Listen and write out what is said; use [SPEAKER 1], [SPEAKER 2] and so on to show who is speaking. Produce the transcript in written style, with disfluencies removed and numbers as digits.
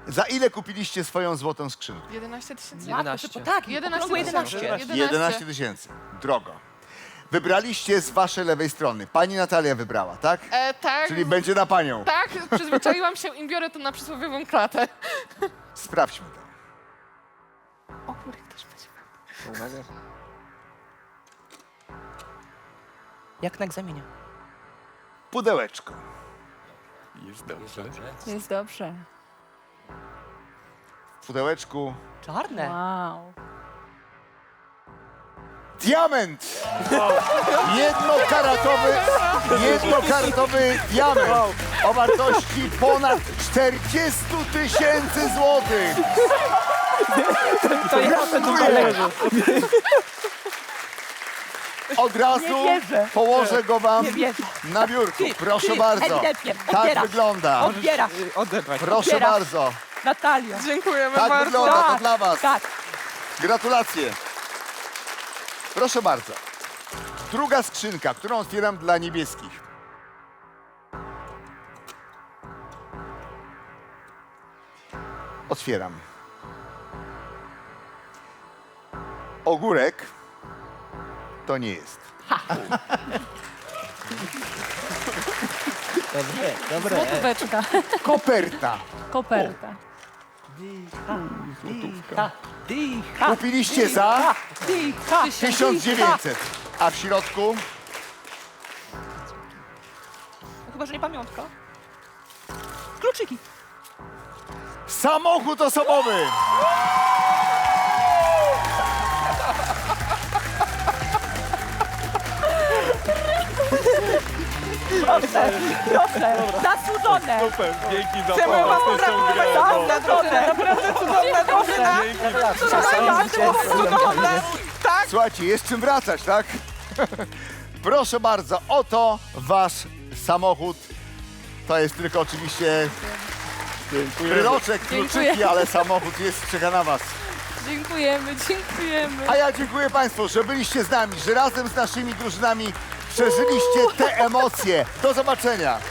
[SPEAKER 1] Za ile kupiliście swoją złotą skrzynkę?
[SPEAKER 2] 11 tysięcy.
[SPEAKER 3] 11.
[SPEAKER 4] Tak,
[SPEAKER 2] 11
[SPEAKER 4] 11.
[SPEAKER 2] 11.
[SPEAKER 1] 11 tysięcy. Drogo. Wybraliście z waszej lewej strony. Pani Natalia wybrała, tak?
[SPEAKER 2] Tak.
[SPEAKER 1] Czyli będzie na panią.
[SPEAKER 2] Tak, przyzwyczaiłam się i biorę to na przysłowiową klatę.
[SPEAKER 1] Sprawdźmy to.
[SPEAKER 2] O kurde, ktoś będzie.
[SPEAKER 3] Uwaga.
[SPEAKER 4] Jak na egzaminie.
[SPEAKER 1] Pudełeczko.
[SPEAKER 3] Jest dobrze.
[SPEAKER 5] Jest dobrze.
[SPEAKER 1] W pudełeczku
[SPEAKER 4] Czarne.
[SPEAKER 5] Wow.
[SPEAKER 1] diament! Jednokaratowy diament o wartości ponad 40 tysięcy złotych.
[SPEAKER 4] To ja
[SPEAKER 1] Gratuluję. Od razu
[SPEAKER 4] Nie wierzę.
[SPEAKER 1] położę go wam
[SPEAKER 4] Nie wierzę.
[SPEAKER 1] na biurku.
[SPEAKER 4] Ty,
[SPEAKER 1] Proszę
[SPEAKER 4] ty,
[SPEAKER 1] bardzo.
[SPEAKER 4] ewidentnie.
[SPEAKER 1] Tak
[SPEAKER 4] Odbierasz.
[SPEAKER 1] wygląda.
[SPEAKER 4] Odbierasz.
[SPEAKER 3] Odebrać.
[SPEAKER 1] Proszę
[SPEAKER 4] Odbierasz.
[SPEAKER 1] bardzo.
[SPEAKER 4] Natalia.
[SPEAKER 2] Dziękujemy
[SPEAKER 1] Tak
[SPEAKER 2] bardzo.
[SPEAKER 1] wygląda to dla was.
[SPEAKER 4] Tak.
[SPEAKER 1] Gratulacje. Proszę bardzo. Druga skrzynka, którą otwieram dla niebieskich. Otwieram. Ogórek to nie jest.
[SPEAKER 3] Dobre.
[SPEAKER 5] Złotóweczka.
[SPEAKER 1] Koperta.
[SPEAKER 5] Koperta.
[SPEAKER 4] Dycha.
[SPEAKER 1] Kupiliście za
[SPEAKER 4] Dycha.
[SPEAKER 1] 1900. A w środku
[SPEAKER 4] Chyba, że nie pamiątka. Kluczyki.
[SPEAKER 1] samochód osobowy.
[SPEAKER 4] Proszę. Zasłużone.
[SPEAKER 3] Super, dzięki za
[SPEAKER 4] Chcemy wam pogratulować. Zasłużone.
[SPEAKER 2] Naprawdę cudowna drużyna. Cudowne. Tak.
[SPEAKER 1] Słuchajcie, jest czym wracać, tak? Proszę bardzo, oto wasz samochód. To jest tylko oczywiście wyroczek, kluczyki,
[SPEAKER 5] Dziękuję.
[SPEAKER 1] ale samochód jest, czeka na was.
[SPEAKER 5] Dziękujemy, dziękujemy.
[SPEAKER 1] A ja dziękuję państwu, że byliście z nami, że razem z naszymi drużynami przeżyliście te emocje. Do zobaczenia.